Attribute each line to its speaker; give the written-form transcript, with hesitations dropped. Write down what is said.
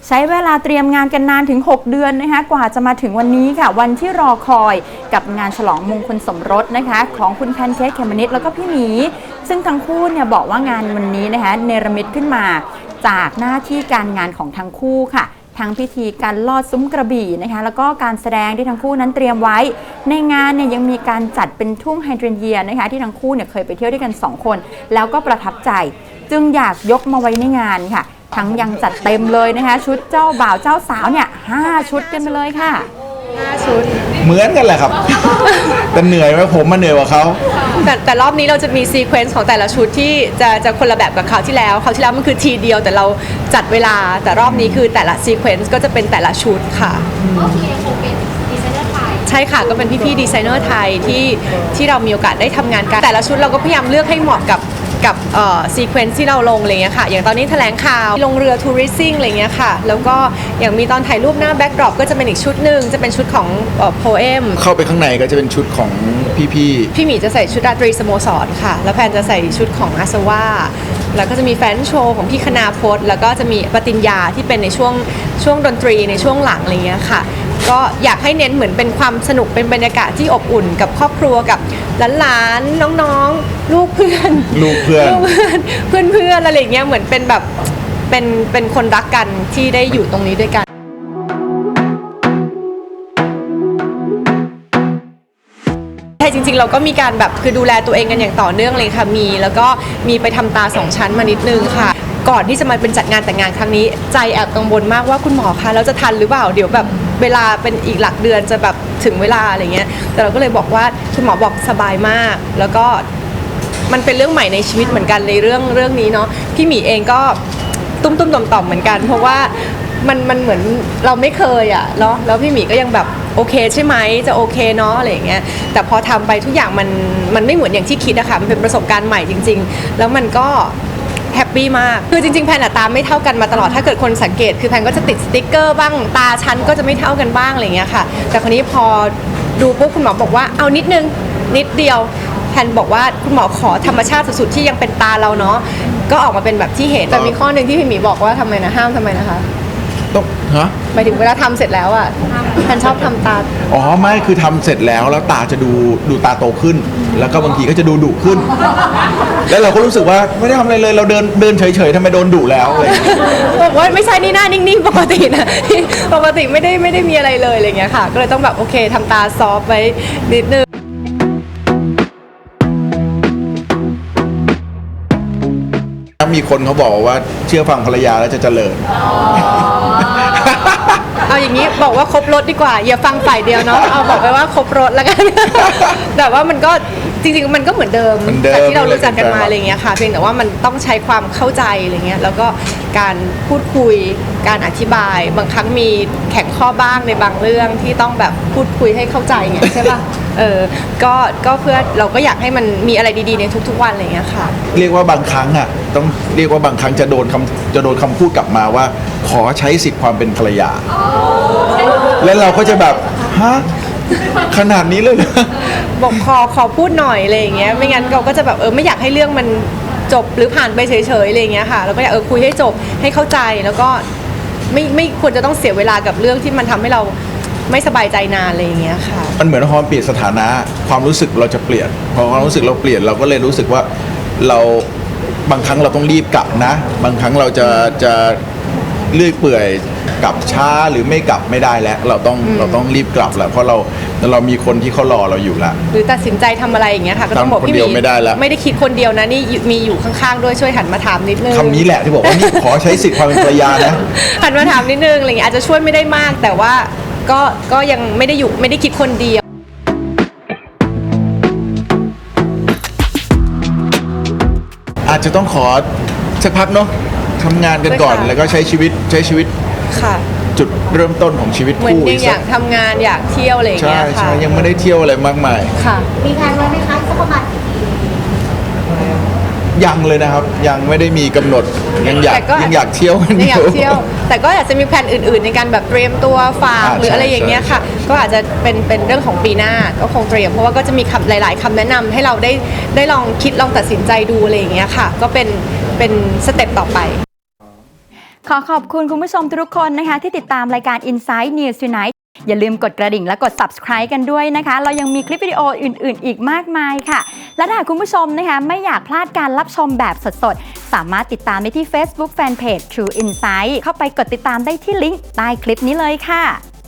Speaker 1: ใช้เวลาเตรียมงานกันนานถึง6 เดือนนะคะกว่าจะมาถึงวันนี้ค่ะวันที่รอคอยกับงานฉลองมงคลสมรสนะคะของคุณแพนเค้กเขมมะนิดแล้วก็พี่หมีซึ่งทั้งคู่เนี่ยบอกว่างานวันนี้นะคะเนรมิตขึ้นมาจากหน้าที่การงานของทั้งคู่ค่ะทั้งพิธีการลอดซุ้มกระบี่นะคะแล้วก็การแสดงที่ทั้งคู่นั้นเตรียมไว้ในงานเนี่ยยังมีการจัดเป็นทุ่งไฮเดรนเยียนะคะที่ทั้งคู่เนี่ยเคยไปเที่ยวด้วยกัน2 คนแล้วก็ประทับใจจึงอยากยกมาไว้ในงานค่ะทั้งยังจัดเต็มเลยนะคะชุดเจ้าบ่าวเจ้าสาวเนี่ย5 ชุดกันไปเลยค่ะ
Speaker 2: 5 ชุด
Speaker 3: เหมือนกันแหละครับ แต่เหนื่อยไหมผมมาเหนื่อยกว่าเขา
Speaker 2: แต่รอบนี้เราจะมีซีเควนซ์ของแต่ละชุดที่จะคนละแบบกับคราวที่แล้วมันคือทีเดียวแต่เราจัดเวลาแต่รอบนี้คือแต่ละซีเควนซ์ก็จะเป็นแต่ละชุดค่ะ
Speaker 4: ก็คือยังคงเป็นดีไซเนอร์ไทย
Speaker 2: ใช่ค่ะก็เป็นพี่ๆดีไซเนอร์ไทยที่เรามีโอกาสได้ทำงานกันแต่ละชุดเราก็พยายามเลือกให้เหมาะกับซีเควนซ์ที่เราลงอะไรเงี้ยค่ะอย่างตอนนี้แถลงข่าวลงเรือทัวริสซิ่งอะไรเงี้ยค่ะแล้วก็อย่างมีตอนถ่ายรูปหน้าแบ็กดรอปก็จะเป็นอีกชุดหนึ่งจะเป็นชุดของโพเอม
Speaker 3: เข้าไปข้างในก็จะเป็นชุดของพี่
Speaker 2: หมีจะใส่ชุดราตรีสโมสรค่ะแล้วแพนจะใส่ชุดของอาสวาแล้วก็จะมีแฟนโชว์ของพี่คณาพจน์แล้วก็จะมีปฏิญญาที่เป็นในช่วงดนตรีในช่วงหลังอะไรเงี้ยค่ะก็อยากให้เน้นเหมือนเป็นความสนุกเป็นบรรยากาศที่อบอุ่นกับครอบครัวกับหลานๆน้องๆลูกเพื่อนอะไรเงี้ยเหมือนเป็นแบบเป็นคนรักกันที่ได้อยู่ตรงนี้ด้วยกันจริงๆเราก็มีการแบบคือดูแลตัวเองกันอย่างต่อเนื่องเลยค่ะแล้วก็มีไปทำตา2 ชั้นมานิดนึงค่ะก่อนที่จะมาเป็นจัดงานแต่งงานครั้งนี้ใจแอบกังวลมากว่าคุณหมอคะเราจะทันหรือเปล่าเดี๋ยวแบบเวลาเป็นอีกหลักเดือนจะแบบถึงเวลาอะไรเงี้ยแต่เราก็เลยบอกว่าคุณหมอบอกสบายมากแล้วก็มันเป็นเรื่องใหม่ในชีวิตเหมือนกันในเรื่องนี้เนาะพี่หมีเองก็ตุ้มต่อมเหมือนกันเพราะว่ามันเหมือนเราไม่เคยอ่ะเนาะแล้วพี่หมีก็ยังแบบโอเคใช่ไหมจะโอเคเนาะอะไรอย่างเงี้ยแต่พอทำไปทุกอย่างมันไม่เหมือนอย่างที่คิดอะค่ะมันเป็นประสบการณ์ใหม่จริงๆแล้วมันก็แฮปปี้มากคือจริงๆแพนตาไม่เท่ากันมาตลอดถ้าเกิดคนสังเกตคือแพนก็จะติดสติ๊กเกอร์บ้างตาชั้นก็จะไม่เท่ากันบ้างอะไรเงี้ยค่ะแต่คราวนี้พอดูปุ๊บคุณหมอบอกว่าเอานิดเดียวแพนบอกว่าคุณหมอขอธรรมชาติสุดๆที่ยังเป็นตาเราเนาะก็ออกมาเป็นแบบที่เห็นแต่มีข้อหนึ่งที่พี่หมีบอกว่าทำไมนะห้ามทำไมนะคะ
Speaker 3: ต้อง
Speaker 2: หมายถึงเวลาทำเสร็จแล้วอ่ะแพนชอบทำตา
Speaker 3: ไม่คือทำเสร็จแล้วตาจะดูตาโตขึ้นแล้วก็บางทีก็จะดูดุขึ้นแล้วเราก็รู้สึกว่าไม่ได้ทำอะไรเลยเราเดินเฉยๆทำไมโดนดุแล้วอะไร
Speaker 2: บอกว่าไม่ใช่นี่หน้านิ่งๆปกตินะปกติไม่ได้มีอะไรเลยอะไรเงี้ยค่ะก็เลยต้องแบบโอเคทำตาซอฟไว้นิดนึง
Speaker 3: มีคนเขาบอกว่าเชื่อฟังภรรยาแล้วจะเจริญ
Speaker 2: เอาอย่างนี้บอกว่าครบรถดีกว่าอย่าฟังฝ่ายเดียวเนาะเอาบอกไปว่าครบรถแล้วกันแต่ว่ามันก็จริงๆมันก็เหมือนเดิมจากที่เรารู้จักกันมาอะไรเงี้ยค่ะเพียงแต่ว่ามันต้องใช้ความเข้าใจอะไรเงี้ยแล้วก็การพูดคุยการอธิบายบางครั้งมีแข็งข้อบ้างในบางเรื่องที่ต้องแบบพูดคุยให้เข้าใจไงใช่ป่ะก็เพื่อเราก็อยากให้มันมีอะไรดีๆในทุกๆวันอะไรเงี้ยค่ะ
Speaker 3: เรียกว่าบางครั้งต้องเรียกว่าบางครั้งจะโดนคำพูดกลับมาว่าขอใช้สิทธิ์ความเป็นภรรยาแล้วเราก็จะแบบฮะขนาดนี้เลยนะ
Speaker 2: บอกขอพูดหน่อยอะไรอย่างเงี้ยไม่งั้นเราก็จะแบบไม่อยากให้เรื่องมันจบหรือผ่านไปเฉยๆอะไรอย่างเงี้ยค่ะเราก็อยากคุยให้จบให้เข้าใจแล้วก็ไม่ควรจะต้องเสียเวลากับเรื่องที่มันทำให้เราไม่สบายใจนานอะไรอย่างเงี้ยค่ะ
Speaker 3: มันเหมือนพอเปลี่ยนสถานะความรู้สึกเราจะเปลี่ยนพอความรู้สึกเราเปลี่ยนเราก็เลยรู้สึกว่าเราบางครั้งเราต้องรีบกลับนะบางครั้งเราจะเลื่อยเปื่อยกลับช้าหรือไม่กลับไม่ได้แล้วเราต้องรีบกลับแล้วเพราะเรามีคนที่เขารอเราอยู่ละ
Speaker 2: หรือตัดสินใจทำอะไรอย่างเงี้ยค่ะก็ต้องบอกพี่หมี
Speaker 3: ไม่
Speaker 2: ได้คิดคนเดียวนะนี่มีอยู่ข้างๆด้วยช่วยหันมาถามนิดนึง
Speaker 3: คำนี้แหละที่บอกว่านี่ขอใช้สิทธิ์ความเป็นภรรยานะ
Speaker 2: หันมาถามนิดนึงอะไรเงี้ยอาจจะช่วยไม่ได้มากแต่ว่าก็ยังไม่ได้คิดคนเดียว
Speaker 3: อาจจะต้องขอสักพักเนาะทำงานกันก่อนแล้วก็ใช้ชีวิต
Speaker 2: ค่ะ
Speaker 3: จุดเริ่มต้นของชีวิตคู่
Speaker 2: เหมือนอยากทำงานอยากเที่ยวอะไรอย่างเงี้ยค่ะ
Speaker 3: ใช่ยังไม่ได้เที่ยวอะไรมากมาย
Speaker 2: ค่ะ
Speaker 4: มีแผนไว้ไหมคะสักประมาณกี่ปี
Speaker 3: ยังเลยนะครับยังไม่ได้มีกำหนดยังอยากเที่ยว
Speaker 2: แต่ก็อยากจะมีแผนอื่นๆในการแบบเตรียมตัวฝากหรืออะไรอย่างเงี้ยค่ะก็อาจจะเป็นเรื่องของปีหน้าก็คงเตรียมเพราะว่าก็จะมีหลายๆคำแนะนำให้เราได้ลองคิดลองตัดสินใจดูอะไรอย่างเงี้ยค่ะก็เป็นสเต็ปต่อไป
Speaker 1: ขอบคุณคุณผู้ชมทุกคนนะคะที่ติดตามรายการ Inside News Tonight อย่าลืมกดกระดิ่งและกด subscribe กันด้วยนะคะเรายังมีคลิปวิดีโออื่นๆอีกมากมายค่ะและถ้าคุณผู้ชมนะคะไม่อยากพลาดการรับชมแบบสดๆสามารถติดตามได้ที่ Facebook Fanpage True Insight เข้าไปกดติดตามได้ที่ลิงก์ใต้คลิปนี้เลยค่ะ